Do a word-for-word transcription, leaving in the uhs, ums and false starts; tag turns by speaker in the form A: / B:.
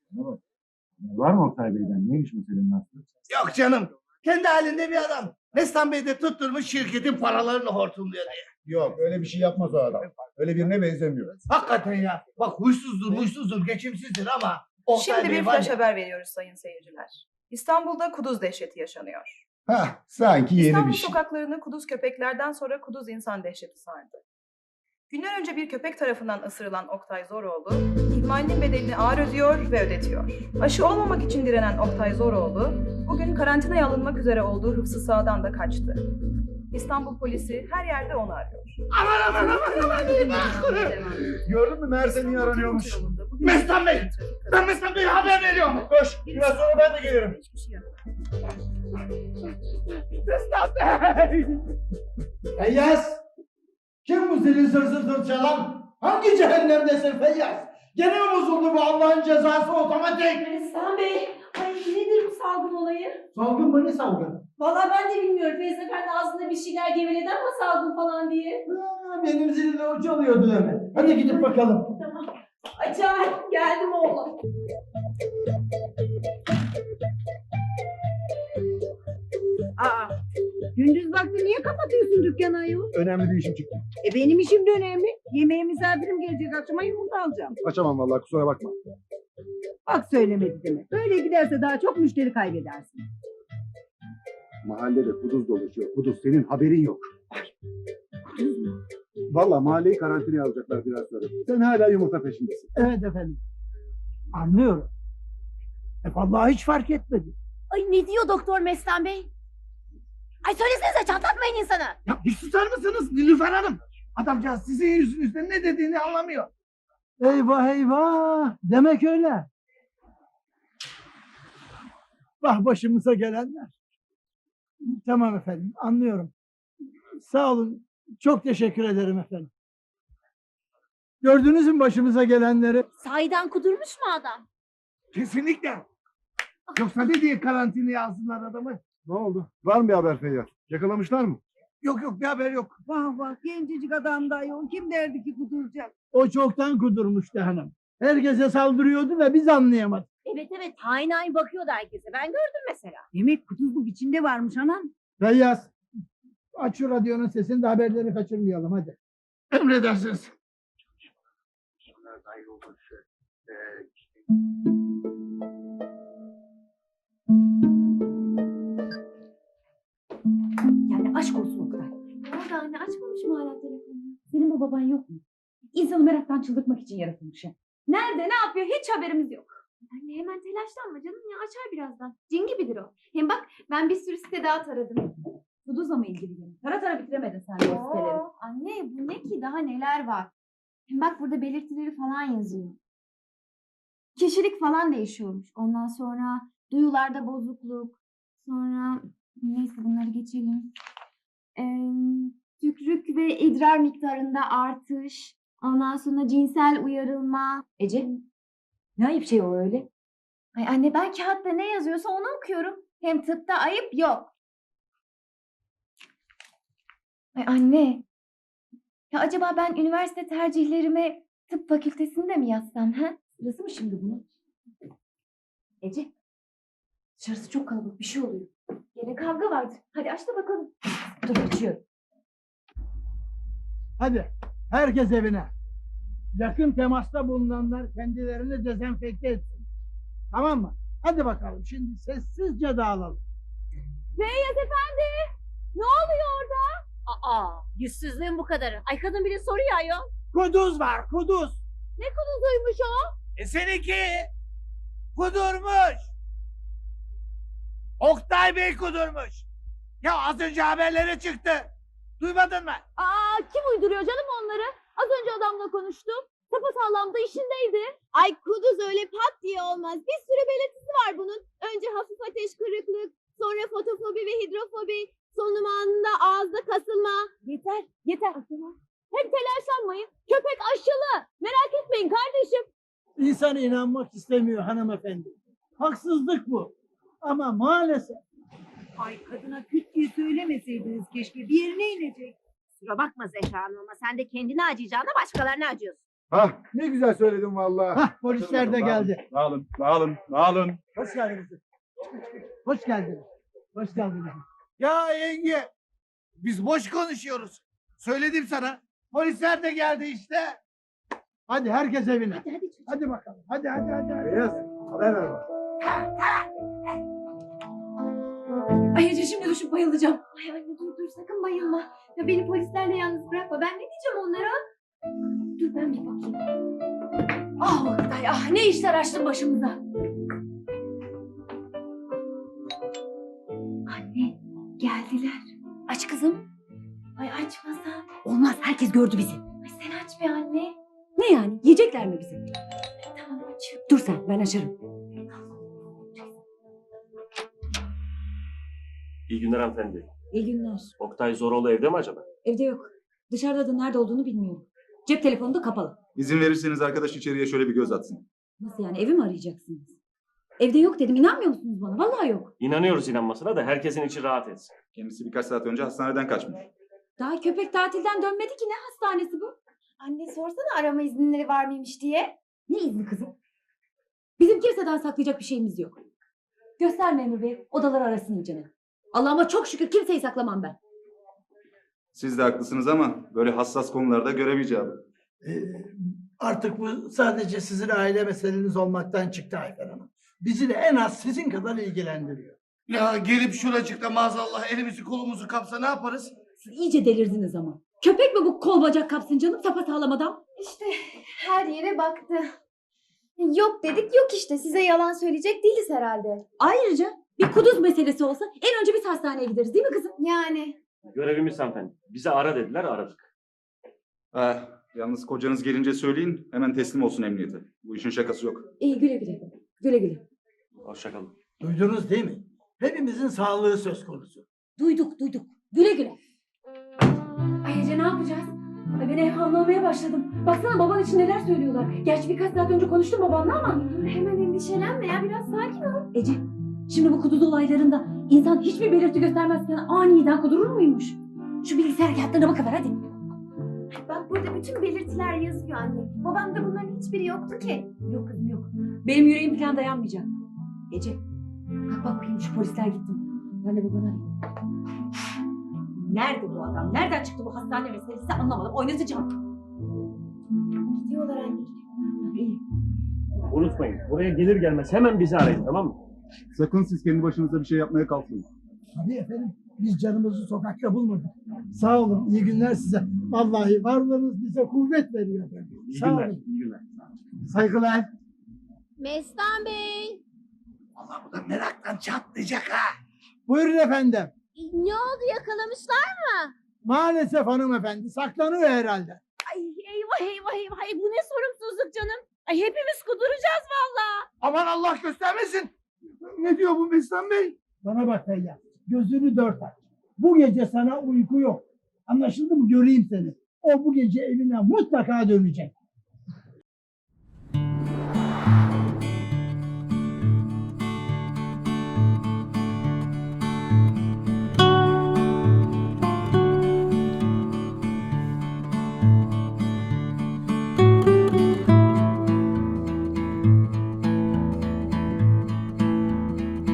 A: Ne var? Var mı Oktay Bey'den? Neymiş meselenin aslı?
B: Yok canım. Kendi halinde bir adam. Mestan Bey de tutturmuş şirketin paralarını hortumluyor diye.
A: Yok öyle bir şey yapmaz o adam. Öyle birine benzemiyor.
B: Hakikaten ya. Bak huysuzdur, huysuzdur, geçimsizdir ama Oktay
C: Şimdi
B: Bey
C: bir
B: var
C: flash
B: ya.
C: haber veriyoruz sayın seyirciler. İstanbul'da kuduz dehşeti yaşanıyor.
A: Hah sanki yeni
C: İstanbul
A: bir şey.
C: sokaklarını kuduz köpeklerden sonra kuduz insan dehşeti sardı. Günler önce bir köpek tarafından ısırılan Oktay Zoroğlu, ihmalinin bedelini ağır ödüyor ve ödetiyor. Aşı olmamak için direnen Oktay Zoroğlu, bugün karantinaya alınmak üzere olduğu hıfzı sahadan da kaçtı. İstanbul polisi her yerde onu arıyor.
B: Aman aman aman aman.
A: Gördün mü Merse niye aranıyormuş?
B: Mestan Bey! Ben Mestan Bey'e haber veriyorum.
A: Koş biraz sonra ben de gelirim.
C: Hiçbir şey yok.
B: Mestan Bey!
D: Feyyaz! Kim bu zilin zır zır zır çalan? Hangi cehennemdesin Feyyaz? Gene mi bozuldu bu Allah'ın cezası otomatik?
E: Mestan Bey, ay nedir bu salgın olayı?
D: Salgın mı ne salgın?
E: Vallahi ben de bilmiyorum. Feyz Efendi ağzında bir şeyler geveledi ama salgın falan diye.
D: Ha, benim zilimle o çalıyordu öyle. Hadi gidip bakalım.
E: Tamam. Acayip geldim oğlum.
F: Aa, gündüz vakti niye kapatıyorsun dükkanı ayol?
A: Önemli bir işim çıktı.
F: E benim işim de önemli. Yemeğe misafirim gelecek, akşama yumurta alacağım.
A: Açamam vallahi kusura bakma.
F: Bak söylemedi demek. Böyle giderse daha çok müşteri kaybedersin.
A: Mahallede kuduz dolaşıyor. Kuduz senin haberin yok.
F: Kuduz mu?
A: Vallahi mahalleyi karantinaya alacaklar biraz sonra. Sen hala yumurta peşindesin.
D: Evet efendim. Anlıyorum. E vallahi hiç fark etmedi.
E: Ay ne diyor doktor Mestan Bey? Ay söylesenize çatlatmayın insana.
B: Ya bir susar mısınız Nilüfer Hanım? Adamcağız sizin yüzünüzden ne dediğini anlamıyor.
D: Eyvah eyvah. Demek öyle. Vah başımıza gelenler. Tamam efendim anlıyorum. Sağ olun. Çok teşekkür ederim efendim. Gördünüz mü başımıza gelenleri?
E: Sahiden kudurmuş mu adam?
B: Kesinlikle. Yoksa ne diye karantinaya alsınlar adamı?
A: Ne oldu? Var mı bir haber Feyyaz? Yakalamışlar mı?
B: Yok yok bir haber yok.
F: Vah vah, gencecik adam da ayol. Kim derdi ki kuduracak?
D: O çoktan kudurmuştu hanım. Herkese saldırıyordu da biz anlayamadık.
E: Evet evet hain hain bakıyordu herkese. Ben gördüm mesela.
F: Demek kuduzluk içinde varmış anam.
D: Feyyaz aç şu radyonun sesini de haberleri kaçırmayalım hadi.
B: Emredersiniz.
E: Yani aşk olsun Oktay. Ne oldu anne açmamış mı hala telefonunu? Senin bu baban yok mu? İnsanı meraktan çıldırtmak için yaratılmış ya. Nerede ne yapıyor hiç haberimiz yok.
G: Anne hemen telaşlanma canım ya açar birazdan. Cin gibidir o. Hem bak ben bir sürü site daha taradım.
E: Kuduzla mı ilgili yani? Tara tara bitiremedin sen de o siteleri.
G: Oo, anne bu ne ki daha neler var. Hem bak burada belirtileri falan yazıyor. Kişilik falan değişiyormuş. Ondan sonra duyularda bozukluk. Sonra neyse bunları geçelim. Ee, tükrük ve idrar miktarında artış. Ondan sonra cinsel uyarılma.
E: Ece ne ayıp şey o öyle?
G: Ay anne ben kağıtta ne yazıyorsa onu okuyorum. Hem tıpta ayıp yok. Ay anne. Ya acaba ben üniversite tercihlerime tıp fakültesinde mi yazsam ha?
E: Sırası mı şimdi bunun? Ece dışarısı çok kalabalık bir şey oluyor.
G: Gene kavga vardır. Hadi aç da bakalım.
E: Dur açıyorum.
D: Hadi herkes evine. Yakın temasta bulunanlar kendilerini dezenfekte etsin. Tamam mı? Hadi bakalım şimdi sessizce dağılalım.
E: Feyyaz efendi! Ne oluyor orada? Aa, yüzsüzlüğün bu kadarı. Ay kadın bile soruyor ayol.
D: Kuduz var kuduz.
E: Ne kuduzuymuş o?
B: E seninki kudurmuş. Oktay Bey kudurmuş. Ya az önce haberlere çıktı. Duymadın mı?
E: Aa, kim uyduruyor canım onları? Az önce adamla konuştum. Sapasağlam da işindeydi.
G: Ay kuduz öyle pat diye olmaz. Bir sürü belirtisi var bunun. Önce hafif ateş kırıklık, sonra fotofobi ve hidrofobi, sonunda ağızda kasılma.
E: Yeter, yeter. Hem telaşlanmayın. Köpek aşılı. Merak etmeyin kardeşim.
D: İnsan inanmak istemiyor hanımefendi. Haksızlık bu. Ama maalesef.
F: Ay kadına küt diye söylemeseydiniz keşke. Bir yerine inecek.
H: Kusura bakma Zehra Hanım ama sen de kendini acıyacağına başkalarına acıyorsun.
A: Hah ne güzel söyledin vallahi.
D: Hah polisler de geldi.
A: Dağılın, dağılın, dağılın.
D: Hoş geldiniz. Hoş geldiniz. Hoş geldiniz.
B: Ya yenge, biz boş konuşuyoruz. Söyledim sana. Polisler de geldi işte.
D: Hadi herkes evine.
E: Hadi hadi çocuğum.
D: Hadi bakalım. Hadi hadi hadi. hadi.
A: Beyaz, haber ver bana.
E: Ay Ece şimdi düşüp bayılacağım.
G: Ay anne dur dur sakın bayılma. Ya beni polislerle yalnız bırakma. Ben ne diyeceğim onlara? Dur ben bir bakayım.
E: Ah Oktay ah ne işler açtın başımıza.
G: Anne geldiler.
E: Aç kızım.
G: Ay açmasam.
E: Olmaz herkes gördü bizi.
G: Ay sen aç be anne.
E: Ne yani yiyecekler mi bizi?
G: Tamam açıyorum.
E: Dur sen ben açarım.
H: İyi günler hanımefendi.
E: İyi günler.
H: Oktay Zoroğlu evde mi acaba?
E: Evde yok. Dışarıda da nerede olduğunu bilmiyorum. Cep telefonu da kapalı.
I: İzin verirseniz arkadaş içeriye şöyle bir göz atsın.
E: Nasıl yani evi mi arayacaksınız? Evde yok dedim inanmıyor musunuz bana? Vallahi yok.
H: İnanıyoruz inanmasına da herkesin içi rahat etsin.
I: Kendisi birkaç saat önce hastaneden kaçmış.
E: Daha köpek tatilden dönmedi ki ne hastanesi bu?
G: Anne sorsana arama izinleri var mıymış diye.
E: Ne izni kızım? Bizim kimseden saklayacak bir şeyimiz yok. Göster memur bey odaları arasın iyicene. Allah'ıma çok şükür kimseyi saklamam ben.
I: Siz de haklısınız ama böyle hassas konularda görev icabı.
D: Ee, artık bu sadece sizin aile meseleniz olmaktan çıktı Ayfer Hanım. Bizi de en az sizin kadar ilgilendiriyor.
B: Ya gelip şuracıkta maazallah elimizi kolumuzu kapsa ne yaparız?
E: Siz iyice delirdiniz ama. Köpek mi bu kol bacak kapsın canım sapasağlam adam?
G: İşte her yere baktı. Yok dedik yok işte. Size yalan söyleyecek değiliz herhalde.
E: Ayrıca bir kuduz meselesi olsa en önce biz hastaneye gideriz değil mi kızım?
G: Yani.
H: Görevimiz hanımefendi. Bize ara dediler aradık.
I: Ah, yalnız kocanız gelince söyleyin hemen teslim olsun emniyete. Bu işin şakası yok.
E: İyi güle güle. Güle güle.
H: Hoşçakalın.
D: Duydunuz değil mi? Hepimizin sağlığı söz konusu.
E: Duyduk duyduk. Güle güle. Ay Ece ne yapacağız? Ay ben evhamlamaya başladım. Baksana baban için neler söylüyorlar. Gerçi birkaç saat önce konuştum babanla ama.
G: Dur hemen endişelenme ya. Biraz sakin ol.
E: Ece şimdi bu kuduz olaylarında insan hiçbir belirti göstermezken aniden kudurur muymuş? Şu bilgisayar kağıtlarına bakıver hadi.
G: Bak burada bütün belirtiler yazıyor anne. Babamda bunların hiçbiri yoktu ki.
E: Yok kızım yok. Benim yüreğim falan dayanmayacak. Ece kalk bak bakayım şu polisler gittim. Ben de babanı arayayım. Nerede bu adam? Nereden çıktı bu hastane meselesi anlamadım. Oynatacağım.
G: Gidiyorlar anne.
E: İyi.
H: Unutmayın buraya gelir gelmez hemen bizi arayın tamam mı?
A: Sakın siz kendi başınıza bir şey yapmaya kalkmayın.
D: Tabii efendim. Biz canımızı sokakta bulmadık. Sağ olun. İyi günler size. Vallahi varlığınız bize kuvvet veriyor efendim.
H: İyi
D: Sağ
H: günler.
D: olun.
H: İyi günler.
D: Saygılar.
F: Mestan Bey.
B: Allah bu da meraktan çatlayacak ha.
D: Buyurun efendim.
F: Ne oldu yakalamışlar?
D: Maalesef hanımefendi saklanıyor herhalde.
F: Ay eyvah eyvah eyvah. Ay, bu ne sorumsuzluk canım. Ay hepimiz kuduracağız vallahi.
B: Aman Allah göstermesin.
D: Ne diyor bu Mestan Bey? Bana bak Feyyaz. Gözünü dört aç. Bu gece sana uyku yok. Anlaşıldı mı? Göreyim seni. O bu gece evine mutlaka dönecek.